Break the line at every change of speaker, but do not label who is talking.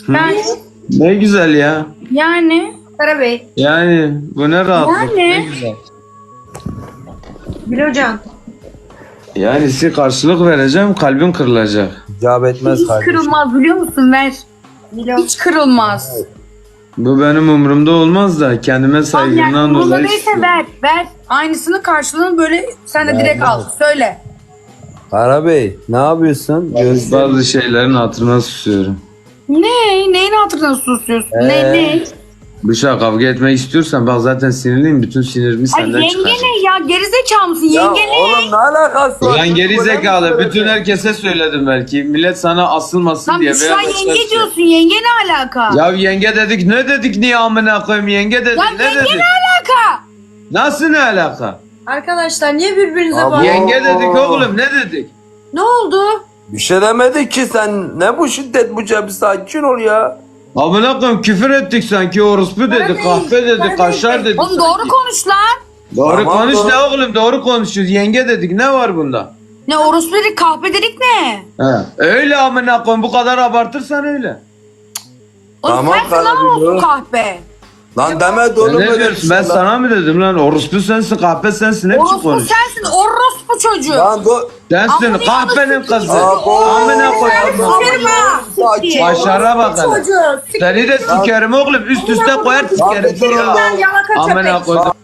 Ben
Ne güzel ya.
yani
Karabey.
Yani bu ne rahatlık.
Yani.
Ne güzel.
Bilocan.
Yani size karşılık vereceğim, kalbim kırılacak.
İcap etmez
hiç
kardeşim.
kırılmaz biliyor musun? Ver.
Bilo.
Hiç kırılmaz.
Bu benim umurumda olmaz da kendime
Tamam
saygımdan
yani umurunda
dolayı.
değilse ver. Ver. Aynısını karşılığını böyle sen de direkt al. Söyle.
Karabey ne yapıyorsun? Göster.
Bazı şeylerin hatırına susuyorum.
Ne? Neyin hatırına susuyorsun? Ne?
Bıçak kavga etmek istiyorsan bak zaten sinirliyim. Bütün sinirimi
Ay
senden
yenge
çıkaracağım.
ne ya? Gerizekalı mısın?
Ya
Yenge ne?
oğlum ne alakası var?
Ulan geri
Böyle mi
zekalı.
söyledin?
Bütün herkese söyledim belki. Millet sana asılmasın
Lan
diye.
şu an
veya başka bir
yenge
şey.
diyorsun. Yenge ne alaka?
Ya yenge dedik ne dedik niye amına koyayım yenge dedik
Lan
ne
yenge
dedik?
ne alaka?
Nasıl ne alaka?
Arkadaşlar niye birbirinize
Abi,
bağlı?
Yenge dedik oğlum ne dedik?
Ne oldu?
Bir şey demedik ki sen ne bu şiddet bu cebi sakin ol ya.
Amına koyayım küfür ettik sanki orospu dedi,
Kardeş,
kahpe dedi,
kardeş.
kaşar dedi.
Oğlum doğru konuş lan.
Doğru
Tamam,
konuş
doğru.
ne oğlum doğru konuşuyoruz. Yenge dedik ne var bunda?
Ne orospu dedik kahpe dedik ne?
He. Öyle amına koyayım bu kadar abartırsan öyle.
Oğlum
Tamam,
sensin lan
kardeşim,
orospu
doğru.
kahpe.
Lan deme de oğlum
Ne
öyle bir
diyorsun
şey
ben
lan.
sana mı dedim lan orospu sensin kahpe sensin ne biçim
Orospu
konuş.
sensin orospu çocuğu.
Lan
Sensin
Amına
kahpenin kızı.
Abo.
Amına koyayım.
Sikerim ha.
Sakin ol.
Başara bakalım.
Çocuğu.
Seni de sikerim oğlum üst üste koyar
Lan
sikerim.
bir durun lan.
Yalaka
Amına
köpek.
koydum.